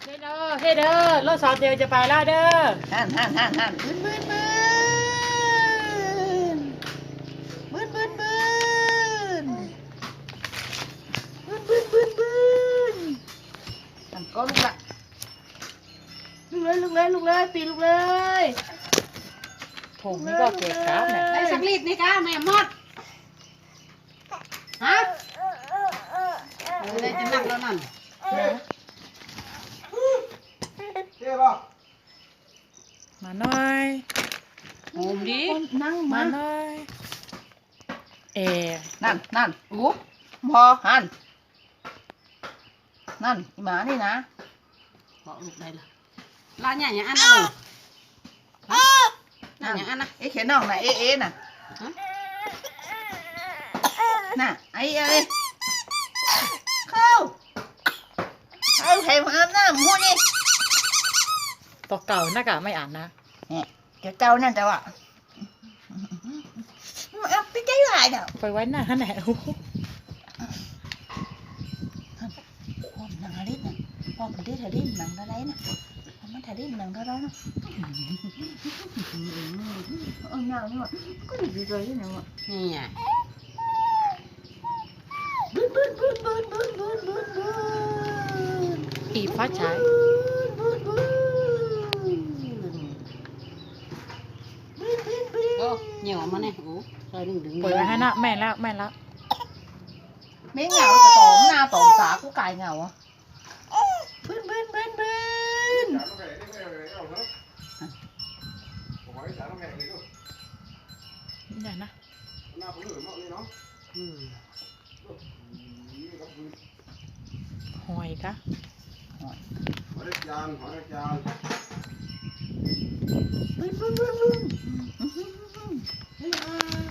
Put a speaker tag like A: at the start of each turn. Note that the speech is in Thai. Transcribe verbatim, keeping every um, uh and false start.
A: เฮ้เด้อเฮ้เด้อรถสอบเดียวจะไปแล้วเด้อ
B: หันหันหันหันบึ้นบึ้นบึ้นบึ้นบึ้นบึ้นบึ้นบึ้นบึ้นบึ้นทำก็ลูกละลูกเลยลูกเลยลูกเลยปีลูกเลย
A: ถุงนี่ก็เกะกะเนี่ย
C: ได้สักลิตรนี่ก้าแม่หมดฮะเลยจะนั่งแล้วนั่น
A: มาหน่อย
C: โหมดิ
B: นั่ง
A: มา
B: มา
A: หน่อยเอ
B: นั่นนั่นอู้พอหันนั่นอีหมานี่นะ
C: บอกลูกได้ละลาเนี่ยอย่างอันนะลูกนั่นอย่างอันนะ
B: เอ๊ะเขียนน้องน่ะเอ๊ะเอ๊ะน่ะน่ะไอ้เอ้ยเข้าเข้าใครมาอาบน้ำมูนี่
A: ตัวเก่าน่ากะไม่อ่านนะ
B: เนี่ยเดี๋ยวเจ้านั่นแต่ว่าเอาไปใจหายเด้อ
A: ไปไว้หน้าแหนว
B: พ่อมันนางอะไรน่ะพ่อมันได้ถ่ายได้หนังอะไรน่ะพ่อมันถ่ายได้หนังอะไรน่ะเออหนังนี่ว่ะก็ดีใจด้วยนะว่ะ
C: นี่ไง
B: บึ้นบึ้นบึ้นบึ้นบึ้นบึ้นบึ้นบึ้น
A: อีฟ้าฉาย
B: บึ้นบึ้นบึ้นบึ้นบึ้น
C: ก็เหนียวมาเนี่ยโอ้ซอยดึงดึง
A: ปล่อยไว้ให้นะแม่แล้วแม่แล้ว
B: ไม่เหงาจะตอมหน้าตอมสากูกายเหงาอ่ะบึ้นบึ้นบึ้นบึ้น
A: นี่นะ
C: อืม
A: หอยกะ
B: บึ้นบึ้นบึ้นบึ้น